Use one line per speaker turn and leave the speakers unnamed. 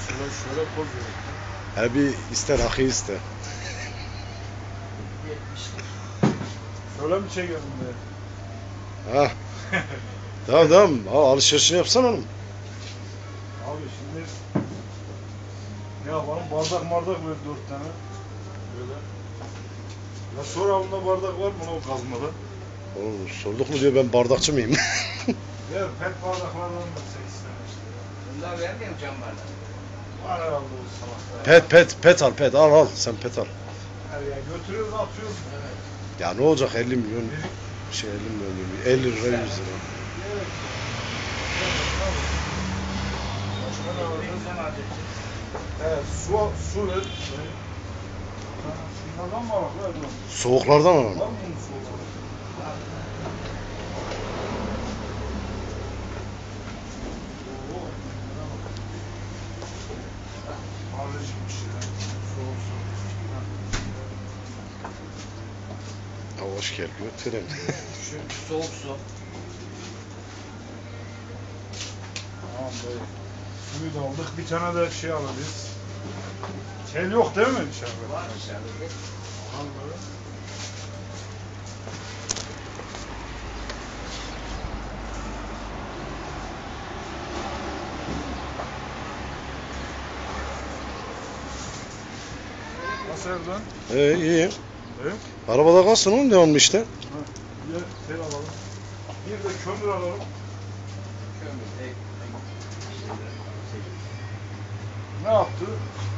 Şöyle poz ver.
He bir iste rakı iste.
Şöyle mi çekelim be?
Ha. Tamam. Alışverişini yapsana oğlum.
Abi şimdi ne yapalım? Bardak ver 4 tane. Böyle. Ya sor abında bardak var mı o kazmada?
Oğlum sorduk mu diyor, ben bardakçı mıyım?
Ver pet bardaklardan da 8 tane işte.
Bunlar vermiyor mu cam bardak?
Var herhalde o salakta.
Pet al sen pet al.
Ya götürüyoruz atıyoruz.
Evet.
Ya ne olacak 50 milyon 50 milyon 50 lira 100 lira.
Evet. Başka ne var?
Ne zaman edeceğiz?
Evet, su ver. Şunlardan mı alak lan?
Soğuklardan alalım.
Var mı bunun soğukları? Oo. Alerjikmiş ya. Soğuk.
Ha, hoş geldin. Götürelim.
Soğuk su.
Tamam bey. Suyu da aldık. Bir tane de şey alırız. Kel yok değil mi içeride?
Var içeride.
Anladım. Nasıl Erdoğan?
İyi.
Evet.
Arabada kalsın oğlum, devamlı işte.
Ha, bir de tel alalım. Bir de kömür alalım.
Kömür, ek.
Ne yaptı?